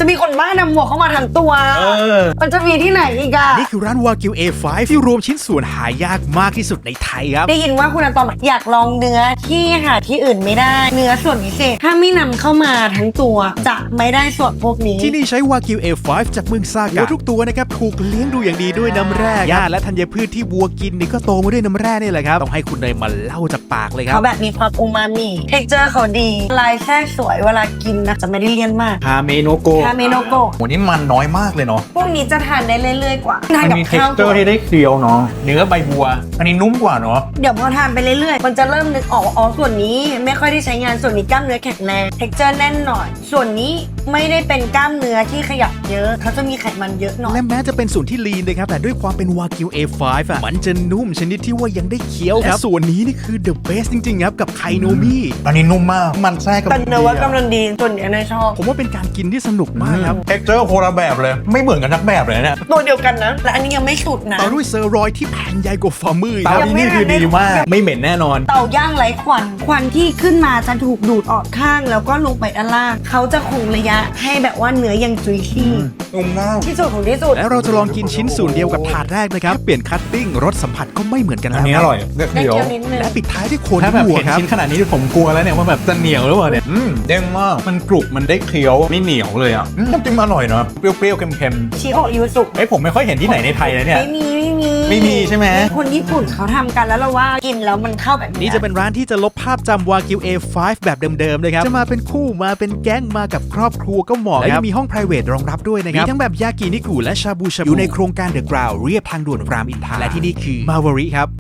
จะมีคนบ้านำหมวกเข้ามาทั้งตัวมันจะมีที่ไหนอีกอะนี่คือร้านวากิว A5 ที่รวมชิ้นส่วนหายากมากที่สุดในไทยครับได้ยินว่าคุณอาตอมอยากลองเนื้อที่หาที่อื่นไม่ได้เนื้อส่วนพิเศษถ้าไม่นำเข้ามาทั้งตัวจะไม่ได้ส่วนพวกนี้ที่นี่ใช้วากิว A5 จากเมืองซากะทุกตัวนะครับถูกเลี้ยงดูอย่างดีด้วยน้ำแร่หญ้าและธัญพืชที่วัวกินนี่ก็โตมาด้วยน้ำแร่นี่แหละครับต้องให้คุณเนยมาเล่าจากปากเลยครับเขาแบบมีความอูมามิเท็กเจอร์เขาดีลายแทรกสวยเวลากินนะจะไม่ได้เลี่ยนมากฮาเมโนโกะโหนี่มันน้อยมากเลยเนาะพวกนี้จะทานได้เรื่อยๆกว่าทานกับมีเท็กเจอร์ที่ได้เคี้ยวเนาะเนื้อใบบัวอันนี้นุ่มกว่าเนาะเดี๋ยวพอทานไปเรื่อยๆมันจะเริ่มนึกออกอ๋อส่วนนี้ไม่ค่อยได้ใช้งานส่วนนี้กล้ามเนื้อแข็งแรงเท็กเจอร์แน่นหน่อยส่วนนี้ไม่ได้เป็นกล้ามเนื้อที่ขยับเยอะเขาจะมีไขมันเยอะหน่อยและแม้จะเป็นส่วนที่ลีนนะครับแต่ด้วยความเป็นวากิว A5 มันจะนุ่มชนิดที่ว่ายังได้เคี้ยวครับส่วนนี้นี่คือ the best จริงๆครับกับไคโนมิอันนี้นุ่มมากมันแทรกกับแต่เนื้อว่ากำลังดีส่วนนี้นายชอบผมว่าเป็นการกินที่สนุกมากครับเท็กเจอร์โคละแบบเลยไม่เหมือนกันทักแบบเลยเนี่ยตัวเดียวกันนะและอันนี้ยังไม่สุดนะต่อด้วยเซอร์รอยที่แผ่นใหญ่กว่าฝ่ามือเตาที่นี่คือดีมากไม่เหม็นแน่นอนเตาย่างไร้ควันที่ขึ้นมาจะถูกดูดออกข้างแล้วก็ลงไปด้านล่างเขาจะคงระยะให้แบบว่าเนื้อยังจุยชี่นุ่มมากที่สุดของที่สุดแล้วเราจะลองกินชิ้นส่วนเดียวกับถาดแรกนะครับเปลี่ยนคัตติ้งรสสัมผัสก็ไม่เหมือนกันแล้วอันนี้อร่อยเดี๋ยวและปิดท้ายด้วยโคนวัวครับชิ้นขนาดนี้ผมกลัวแล้วเนี่ยว่าแบบจะเหนียวหรือเปล่าเนี่ยเด้งมากมันกรุบมันได้เคี้ยวไม่เหนียวเลยอ่ะน้ำจิ้มอร่อยเนาะเปรี้ยวๆเค็มๆชิโอะยูสุผมไม่ค่อยเห็นที่ไหนในไทยเลยเนี่ยไม่มีใช่ไหมคนญี่ปุ่นเขาทำกันแล้วเราว่ากินแล้วมันเข้าแบบนี้จะเป็นร้านที่จะลบภาพจำวากิว A5 แบบเดิมๆเลยครับจะมาเป็นคู่มาเป็นแก๊งมากับครอบครัวก็เหมาะและยังมีห้อง private รองรับด้วยนะครับมีทั้งแบบยากินิกุและชาบูอยู่ในโครงการเดอะกราวเรียบทางด่วนรามอินทราและที่นี่คือมาวาริครับ